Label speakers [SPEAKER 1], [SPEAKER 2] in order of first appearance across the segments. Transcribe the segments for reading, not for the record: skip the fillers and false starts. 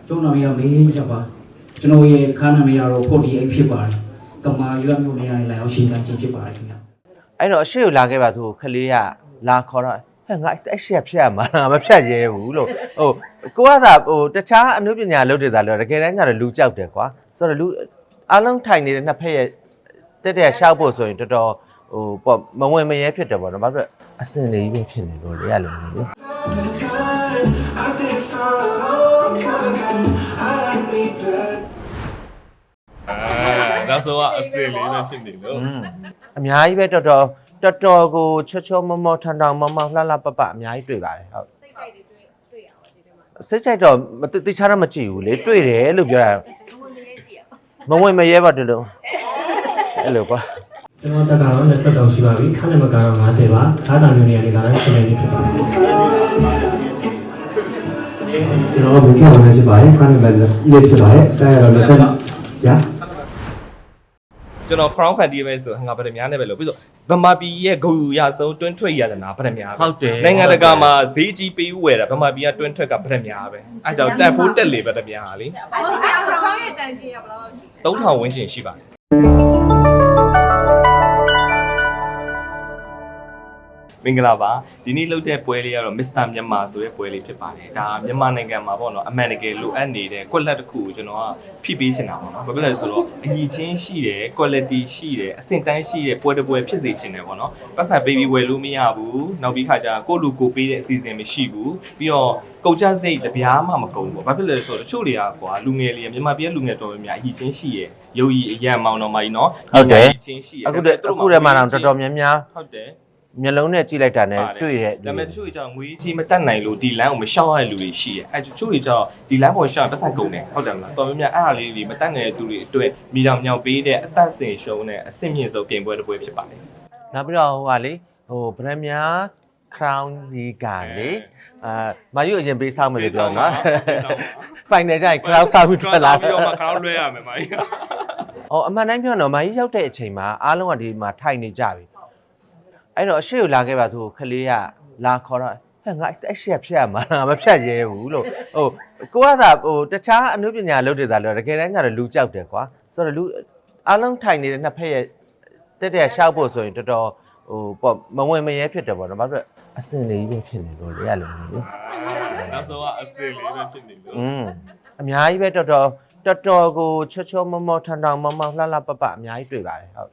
[SPEAKER 1] ကျုံနာမည်ကမေးကြပါကျွန်တော်ရဲ့ခါနာမည်ကတော့48ဖြစ်ပါတယ်ကမာရွတ်မျိုးနေရာလာရောက်ရှင်းပြခြင်းဖြစ်ပါတယ်ခင်ဗျ
[SPEAKER 2] အဲ့တော့အရှိကိုလာခဲ့ပါသူခလေးကလာခေါ်တော့ဟဲ့ငါအဲ့ရှက်ဖြတ်ရမှာမဖြတ်ရဲဘူးလို့ဟိုကိုကသာဟိုတခြားအနုပညာလုပ်တယ်သာလို့တကယ်တမ်းကျတော့လူကြောက်တယ်ကွာဆိုတော့လူအားလုံးထိုင်နေတဲ့နှစ်ဖက်ရဲ့တက်ရှောက်ဖို့ဆိုရင်တော်တော်ဟိုပေါ့မဝင်မရဲဖြစ်တယ်ပေါ့နော်ဘာဖြစ်လို့အစင်လေးပဲဖြစ်နေလို့လေရလို့လေ
[SPEAKER 3] နောက်ဆုံးကအစင်လေးပဲဖြစ်နေလို့
[SPEAKER 2] အများကြီးပဲတော်တော်ကိုချောမောထန်ထောင်မလှလှပပအများကြီးတွေ့ပါတယ်ဟုတ်စိတ်ကြိုက်တော့တိချာတော့မကြည့်ဘူးလေတွေ့တယ်လို့ပြောတာမဝင်မရဲပါတလို့အဲ့လိုကွာ
[SPEAKER 1] ကျွန်တော်တက်ကတော့20တောင်ရှိပါပြီခါနဲ့မကတော့50ပါအားသာမျိုးနေရာတွေကလည်းရှင်းနေဖြစ်ပါတယ်
[SPEAKER 4] ကျွန်တော်ဘူးခဲ့ဝင်ဖြစ်ပါတယ်ခါနဲ့ပဲလေးဖြစ်ပါတယ်တားရတော့20ရာ
[SPEAKER 3] ကျွန်တော် crown party ပဲဆိုငါဗဒများနဲ့ပဲလို့ပြီးတော့ဗမာပြည်ရဲ့ဂုဏ်ရဆုံးတွင်းထွက်ရတနာဗဒများပဲ
[SPEAKER 2] ဟုတ်တယ်
[SPEAKER 3] နိုင်ငံတကာမှာဈေးကြီးပေးဥဝယ်တာဗမာပြည်ကတွင်းထွက်ကဗဒများပဲအဲကြောင့်တက်ဖို့တက်လေဗဒများလေ
[SPEAKER 5] ဟုတ်ဆရာက crown ရဲ့တန်ကြီးရဘယ်လောက်ရှိ
[SPEAKER 3] 3000ဝန်းကျင်ရှိပါတယ်မင်္ဂလာပါဒီနေ့လုပ်တဲ့ပွဲလေးကတော့ Mr. မြန်မာဆိုတဲ့ပွဲလေးဖြစ်ပါတယ်ဒါမြန်မာနိုင်ငံမှာပေါ့နော်အမှန်တကယ်လိုအပ်နေတဲ့ quality တစ်ခုကိုကျွန်တော်ကဖြည့်ပေးချင်တာပေါ့နော်ဘာဖြစ်လဲဆိုတော့အညီချင်းရှိတယ် quality ရှိတယ်အဆင့်တန်းရှိတဲ့ပွဲတစ်ပွဲဖြစ်စေချင်တယ်ပေါ့နော်ပတ်စံ baby ဝယ်လို့မရဘူးနောက်ပြီးခါကျကိုလူကိုပေးတဲ့အစီအစဉ်မရှိဘူးပြီးတော့ကုန်ကျစရိတ်တပြားမှမကုန်ဘူးဘာဖြစ်လဲဆိုတော့တချို့တွေကကွာလူငယ်လေးမြန်မာပြည်လူငယ်တော်များများအညီချင်းရှိရယ်ရုပ်ရည်အရန်မောင်တော်မကြီးနော်
[SPEAKER 2] ဟုတ်တယ်
[SPEAKER 3] ချင်းရှိရယ်
[SPEAKER 2] အခုတည်းမှာတော့တော်တော်များများ
[SPEAKER 3] ဟုတ်တယ်
[SPEAKER 2] မျက်လုံးနဲ့ကြည့်လိုက်တာနဲ့တွေ့တဲ့
[SPEAKER 3] ဒါပေမဲ့တချို့ကြောင့်ငွေကြီးမတက်နိုင်လို့ဒီလမ်းကိုမရှောက်ရတဲ့လူတွေရှိတယ်အဲတချို့တွေကြောင့်ဒီလမ်းပေါ်ရှောက်ပတ်သက်ကုန်တယ်ဟုတ်တယ်မလားတော်များများအားလေးတွေမတက်နိုင်တဲ့သူတွေအတွက်မိတောင်မြောက်ပေးတဲ့အသက်စင်ရှုံးတဲ့အဆင့်မြင့်ဆုံးပြင်ပွဲတစ်ပွဲဖြစ်ပါတယ်
[SPEAKER 2] နောက်ပြီးတော့ဟိုဟာလေဟိုဗရမများ crown ကြီးကလေမာယူအရင်ပေးဆောင်မယ်လို့ပြောနော် final ကျရင် crown ဆောက်ပြီးထွက်လာ
[SPEAKER 3] ပြီးတော့မှ crown လွှဲရမယ်မာကြီး
[SPEAKER 2] အော်အမှန်တိုင်းပြောတော့မာကြီးရောက်တဲ့အချိန်မှာအားလုံးကဒီမှာထိုင်နေကြပြီအဲ့တော့အရှိကိုလာခဲ့ပါသူခလေးကလာခေါ်တော့ဟဲ့ငါအဲ့ရှက်ဖြတ်ရမှာမဖြတ်ရဲဘူးလို့ဟိုကိုကသာဟိုတခြားအနုပညာလုပ်တယ်သာလို့တကယ်တမ်းကျတော့လူကြောက်တယ်ကွာဆိုတော့လူအားလုံးထိုင်နေတဲ့နှစ်ဖက်ရဲ့တက်ရှောက်ဖို့ဆိုရင်တော်တော်ဟိုပေါ့မဝင်မရဲဖြစ်တယ်ပေါ့နော်ဘာဖြစ်လို့အစင်လေးပဲဖြစ်နေလို့လေရလို့လေ
[SPEAKER 3] နောက်ဆုံးကအစင်လေးပဲဖြစ်နေလို့
[SPEAKER 2] အများကြီးပဲတော်တော်ကိုချောမောထန်ထောင်လှလှပပအများကြီးတွေ့ပါတယ်ဟုတ်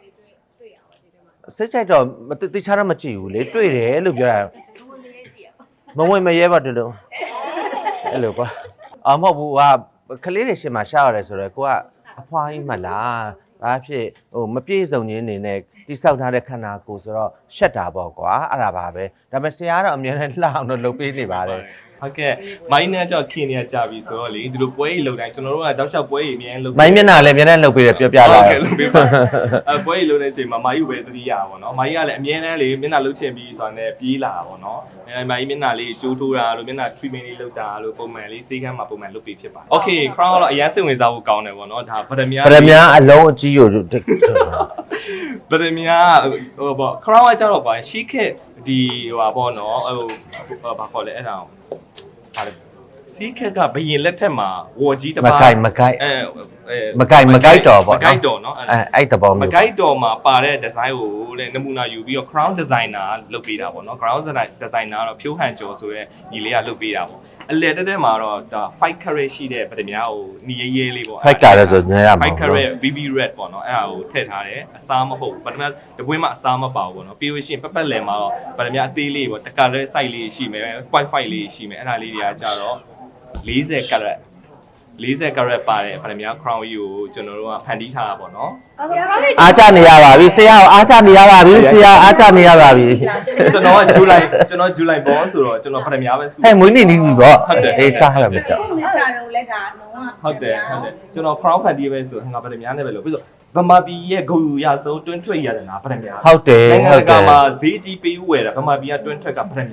[SPEAKER 2] စိတ်ကြိုက်တော့တိချာတော့မကြည့်ဘူးလေတွေ့တယ်လို့ပြောတာမဝင်မရဲပါတလို့အဲ့လိုကွာမဟုတ်ဘူးကကလေးတွေရှင်းမှာရှားရတယ်ဆိုတော့ကိုကအဖွားကြီးမလားဘာဖြစ်ဟိုမပြည့်စုံခြင်းနေနဲ့တိဆောက်ထားတဲ့ခန္ဓာကိုယ်ဆိုတော့ရှက်တာပေါ့ကွာအဲ့ဒါပါပဲဒါပေမဲ့ဆရာကတော့အများနဲ့လှအောင်တော့လုပ်ပေးနေပါတယ်
[SPEAKER 3] ဟုတ်ကဲ့မိုင်းနဲ့ကြောက်ခင်နေကြပြီဆိုတော့လေဒီလိုပွဲကြီးလုံတိုင်းကျွန်တော်တို့ကတောက်လျှောက်ပွဲကြီးအများကြီးလုပ်
[SPEAKER 2] မိုင်းမျက်နှာလည်းအများနဲ့လုပ်ပေးတယ်ပြောပြလာ
[SPEAKER 3] တယ်လုပ်ပေးပါပွဲကြီးလုံတဲ့အချိန်မှာမိုင်းယူပဲသတိရပါတော့မိုင်းကလည်းအများနဲ့လေမျက်နှာလှုပ်ချင်ပြီးဆိုတာနဲ့ပြေးလာတာပေါ့နော်မိုင်းမျက်နှာလေးကျိုးထိုးတာလို့မျက်နှာ treatment လေးလုပ်တာလို့ပုံမှန်လေးစေးကမ်းမှာပုံမှန်လုပ်ပေးဖြစ်ပါတယ် Okay crown ကတော့အရင်စိတ်ဝင်စားဖို့ကောင်းတယ်ပေါ့နော်ဒါဗဒမြား
[SPEAKER 2] အလုံးအကြီးကို
[SPEAKER 3] ဗဒမြားဟိုပေါ့ crown ကကြတော့ပါရှီးခက်ဒီဟိုပါပေါ့နော်ဟိုဘာခေါ်လဲအဲ့ဒါစီးခက်ကဘယင်လက်ထက်မှာဝေါ်ကြီးတပါး
[SPEAKER 2] မကိုက်တော်ပေါ့
[SPEAKER 3] မကိုက်တော်နော်
[SPEAKER 2] အဲ့တဘော
[SPEAKER 3] မကိုက်တော်မှာပါတဲ့ design ကိုတဲ့နမူနာယူပြီးတော့ crown designer လုပ်ပေးတာပေါ့နော် crown designer တော့ဖြိုးဟန်ကျော်ဆိုရဲညီလေးကလုပ်ပေးတာပေါ့အလဲတက်မှာတော့ဒါ5 carat ရှိတဲ့ဗဒမြားကိုနီးရဲလေးပေါ့
[SPEAKER 2] 5 carat ဆိုညရမှာ
[SPEAKER 3] 5 carat BB red ပေါ့နော်အဲ့ဒါကိုထည့်ထားတယ်အစားမဟုတ်ဗဒမြားတပွင့်မှအစားမပါဘူးပေါ့နော်ပြီးလို့ရှိရင်ပက်လယ်မှာတော့ဗဒမြားအသေးလေးပေါ့တ carat size လေးရှိမယ် 0.5 လေးရှိမယ်အဲ့ဒါလေးတွေကကြတော့40 carat ပါတယ်ဗဒမြား crown ကြီးကိုကျွန်တော်တို့ကဖန်တီးထားတာပေါ့နော်
[SPEAKER 2] အားချနေရပါပြီဆရာအားချနေရပါပြီဆရာအားချနေရပါပြီ
[SPEAKER 3] ကျွန်တော်ကဇူလိုင်ဘောဆိုတော့ကျွန်တော်ဗဒမြားပဲစု
[SPEAKER 2] ဟဲ့မွေးနေ့နီးပြီပေါ့အေးစားရမယ်
[SPEAKER 5] တော့မစ္စတာတို့လည်းဒါလုံးဝ
[SPEAKER 3] ဟုတ်တယ်ကျွန်တော် crown ဖန်တီးပဲဆိုငါဗဒမြားနဲ့ပဲလို့ပြီးတော့ဗမာပြည်ရဲ့ဂုဏ်ရဆုံးတွင်းထွက်ရတနာဗဒမြား
[SPEAKER 2] ဟုတ်တယ်
[SPEAKER 3] နိုင်ငံတကာမှာဈေးကြီးပေးဥဝယ်တာဗမာပြည်ကတွင်းထွက်ကဗဒမြားပဲ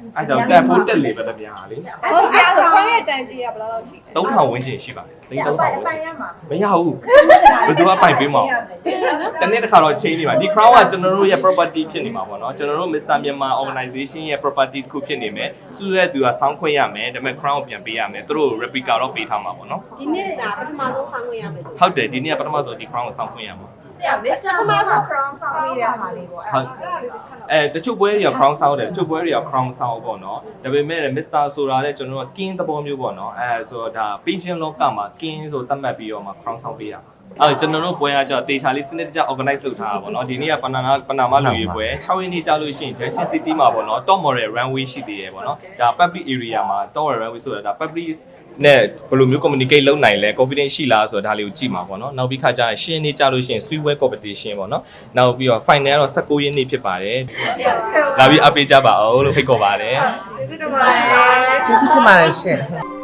[SPEAKER 3] အဲ့တော့တက်ဖို့တက်လေပဲတပြားလေ
[SPEAKER 5] ဟုတ်ဆရာဆိုခေါင်းရဲ့တန်ကြီးကဘယ်လောက်ရှိလဲ
[SPEAKER 3] 3000ဝန်းကျင်ရှိပါတယ်သိန်း3000ဝန်းကျင်မရဘူးဘယ်သူကပိုင်ပေးမအောင်တနေ့တစ်ခါတော့ change နေပါဒီ crown ကကျွန်တော်တို့ရဲ့ property ဖြစ်နေမှာပေါ့နော်ကျွန်တော်တို့ Mr. Myanmar organization ရဲ့ property တစ်ခုဖြစ်နေမယ်စူးစဲသူကစောင်းခွင့်ရမယ်ဒါပေမဲ့ crown ကိုပြန်ပေးရမယ်သူတို့ replica တော့ပေးထားမှာပေါ့နော်
[SPEAKER 5] ဒီနေ့ကပထမဆုံးဆောင်းခွင့်ရမယ်
[SPEAKER 3] ဟုတ်တယ်ဒီနေ့ကပထမဆုံးဒီ crown ကိုစောင်းခွင့်ရမှာ
[SPEAKER 5] ဆရာ Mr. Crown ဆောင်းပေးရမှာလေးပေါ့
[SPEAKER 3] ဟုတ်တချို့ပွဲတွေက crown ဆောင်းတယ်တချို့ပွဲတွေက crown ဆောင်းပေါ့နော်ဒါပေမဲ့ Mr. ဆိုတာလည်းကျွန်တော်တို့ king သဘောမျိုးပေါ့နော်ဆိုတော့ဒါ patient လောကမှာ king ဆိုသတ်မှတ်ပြီးတော့မှ crown ဆောင်းပေးရကျွန်တော်တို့ပွဲကကြောတေချာလေးစနစ်တကျ organize လုပ်ထားတာပေါ့နော်ဒီနေ့ကပနာမလူကြီးပွဲ6ရက်နေ့ကြာလို့ရှိရင် Junction City မှာပေါ့နော် top model runway ရှိသေးတယ်ပေါ့နော်ဒါ public area မှာ top model runway ဆိုတာဒါ public နဲ့ဘယ်လိုမျိုး communicate လုပ်နိုင်လဲ confidence ရှိလားဆိုတာဒါလေးကိုကြည့်မှာပေါ့နော်နောက်ပြီးခါကျရင်ရှင်းနေကြလို့ရှိရင် sweet wear competition ပေါ့နော်နောက်ပြီးတော့ final တော့19ရက်နေ့ဖြစ်ပါတယ်လာပြီးအပေးကြပါအောင်လို့ဖိတ်ခေါ်ပါတယ်
[SPEAKER 2] ကျေးဇူးတင်ပါတယ်ရှင်